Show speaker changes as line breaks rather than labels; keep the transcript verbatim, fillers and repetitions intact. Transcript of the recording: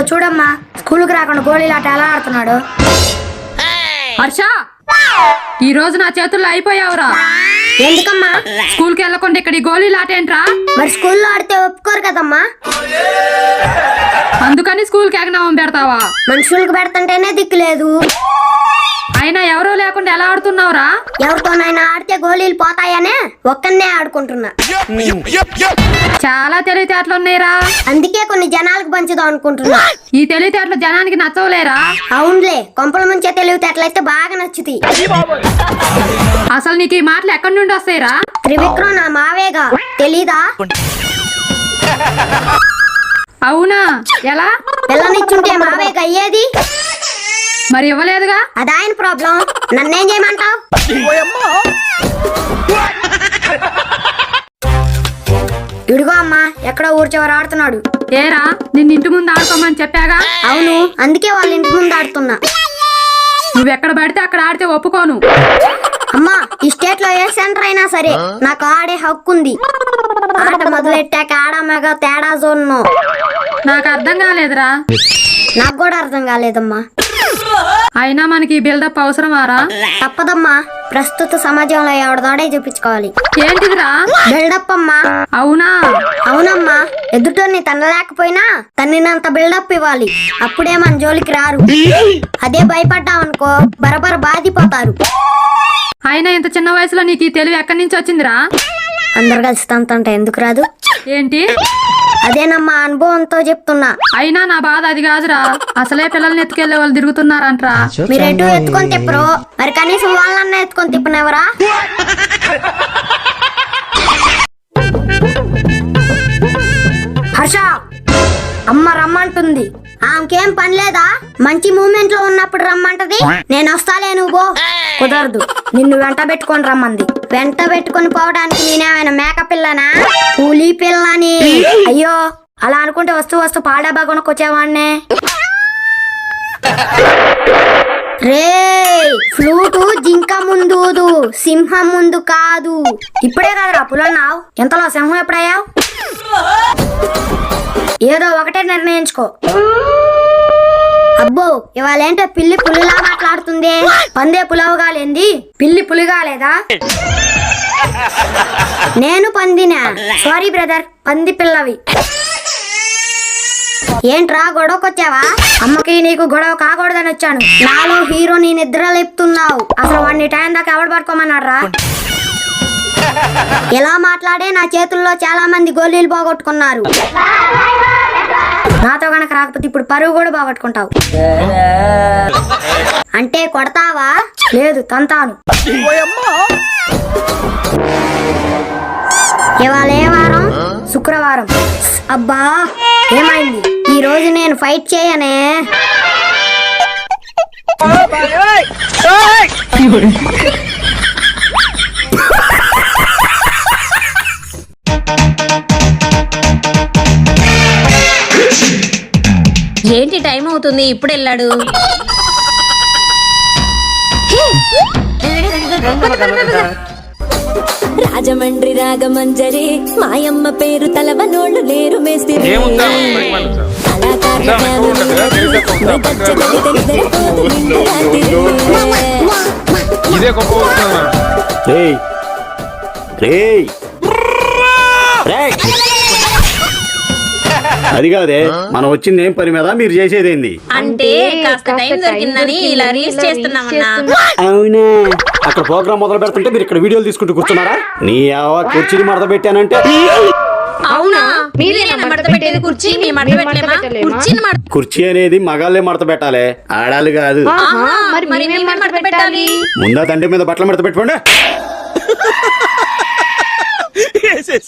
చూడమ్మా స్కూల్కి రాకుండా గోళీలాట ఎలా ఆడుతున్నాడు.
హర్ష, ఈ రోజు నా చేతుల్లో అయిపోయావురా.
ఎందుకమ్మా?
స్కూల్కి వెళ్ళకుండా ఇక్కడ ఈ గోళీలాట ఏంట్రా?
మరి స్కూల్లో ఆడితే ఒప్పుకోరు కదమ్మా.
అందుకని స్కూల్కి ఎగనామం పెడతావా?
మనుషులకు పెడతంటేనే దిక్కు లేదు.
అయినా ఎవరూ లేకుండా ఎలా ఆడుతున్నావురా?
ఎవరితోనైనా ఆడితే గోళీలు పోతాయనే ఒక్కనే ఆడుకుంటున్నా.
చాలా తెలివితేటలు ఉన్నాయిరా.
అందుకే కొన్ని జనాలకు పంచుదాం అనుకుంటున్నా.
ఈ తెలివితేటలు జనానికి నచ్చవులేరా?
అవునులే, కొంపల ముంచే తెలివితేటలయితే బాగా నచ్చుతాయి.
అసలు నీకు ఈ మాటలు ఎక్కడి నుండి వస్తాయిరా?
త్రివిక్రమ్ నా మావేగా, తెలీదా?
అవునా? ఎలా?
పిల్లనిచ్చుంటే మావేగా అయ్యేది.
మరి ఇవ్వలేదుగా?
అది ఆయన ప్రాబ్లం, నన్నేం చేయమంటావు? ఇడుగో అమ్మా, ఎక్కడో ఊరు చివర ఆడుతున్నాడు.
ఏరా, నిన్ను ఇంటి ముందు ఆడుకోమని చెప్పాగా?
అవును, అందుకే వాళ్ళ ఇంటి ముందు ఆడుతున్నా.
నువ్వెక్కడ పడితే అక్కడ ఆడితే ఒప్పుకోను.
అమ్మా, ఈ స్టేట్ లో ఏ సెంటర్ అయినా సరే నాకు ఆడే హక్కు ఉంది. ఆట మొదలెట్టాక ఆడమేగా తేడా జోన్ను.
నాకు అర్థం కాలేదురా.
నాకు కూడా అర్థం కాలేదమ్మా.
అయినా మనకి బిల్డప్ అవసరమారా?
తప్పదమ్మా, ప్రస్తుత సమాజంలో ఎవడదాడే చూపించుకోవాలి.
ఏంటిదిరా?
బిల్డప్ అమ్మా.
అవునా?
అవునమ్మా, ఎదుటోని తనలేకపోయినా తన్నినంత బిల్డప్ ఇవ్వాలి. అప్పుడే మన జోలికి రారు. అదే భయపడ్డామనుకో బరబర బాధిపోతారు.
అయినా ఇంత చిన్న వయసులో నీకు ఈ తెలివి ఎక్కడి నుంచి వచ్చిందిరా?
అందరు కలిసి తంతంటే ఎందుకు రాదు?
ఏంటి?
అదేనమ్మా, అనుభవంతో చెప్తున్నా.
అయినా నా బాధ అది కాదురా. అసలే పిల్లల్ని ఎత్తుకెళ్లే వాళ్ళు తిరుగుతున్నారంట్రా.
మీరు ఎటు ఎత్తుకొని తిప్పరు, మరి కనీసం వాళ్ళన్నా ఎత్తుకొని తిప్పనేవరా? హర్ష, అమ్మ రమ్మంటుంది. ఆమెకేం పని లేదా? మంచి మూమెంట్ లో ఉన్నప్పుడు రమ్మంటది. నేను వస్తాలే, నువ్వు పో. కుదరదు, నిన్ను వెంట పెట్టుకొని రమ్మంది. వెంట పెట్టుకొని పోవడానికి నేనేమైనా మేక పిల్లనా, కూలీ పిల్లని? అయ్యో, అలా అనుకుంటే వస్తూ వస్తూ పాడాబా కొనుక్కొచ్చేవాడినే. రే, ఫ్లూటు జింక ముందు, సింహం ముందు కాదు. ఇప్పుడే కదరా పులన్నావు, ఎంతలో సింహం ఎప్పుడయ్యావు? ఏదో ఒకటే నిర్ణయించుకో. అబ్బో, ఇవాళేంటో పిల్లి పులిలా మాట్లాడుతుంది. పందే పులవగాలేంది, పిల్లి పులిగాలేదా? నేను పందినా? సారీ బ్రదర్, పంది పిల్లవి. ఏంట్రా గొడవకొచ్చావా? అమ్మకి నీకు గొడవ కాకూడదని వచ్చాను. నాలో హీరో నీ నిద్ర లేపుతున్నావు. అసలు వాడిని టైం దాకా ఎవడు పడుకోమన్నారా? ఎలా మాట్లాడే నా చేతుల్లో చాలా మంది గోళీలు పోగొట్టుకున్నారు. నాతో గనక రాకపోతే ఇప్పుడు పరువు కూడా పోగొట్టుకుంటావు. అంటే కొడతావా? లేదు, తంతాను. ఇవాళ ఏ వారం? శుక్రవారం. అబ్బా, ఏమైంది? ఈ రోజు నేను ఫైట్ చేయనే.
ఏంటి టైం అవుతుంది, ఇప్పుడు వెళ్ళాడు.
రాజమండ్రి రాగమంజరి మాయమ్మ పేరు తలవనోళ్ళు లేరు మేస్త్రి.
అది కాదే, మనం వచ్చింది ఏం పని మీద, మీరు చేసేదేంది?
అంటే కాస్త టైం దొరికిందని ఇలా రీల్స్ చేస్తున్నామన్నా.
అవునా? అక్కడ ప్రోగ్రామ్ మొదలు పెడుతుంటే మీరు ఇక్కడ వీడియోలు తీసుకుంటూ కూర్చున్నారా? నీ కుర్చీని మడత పెట్టానంటే.
అవునా? మీరేనా మడత పెట్టేది కుర్చీ? మీ మడత పెట్టలేమా? కుర్చీని మడత
కుర్చీ అనేది మగాళ్ళే మడత పెట్టాలి, ఆడాలి కాదు.
మరి మేమే మడత పెట్టాలి.
ముందా తండ్రి మీద బట్టలు మడత పెట్టుకోండి.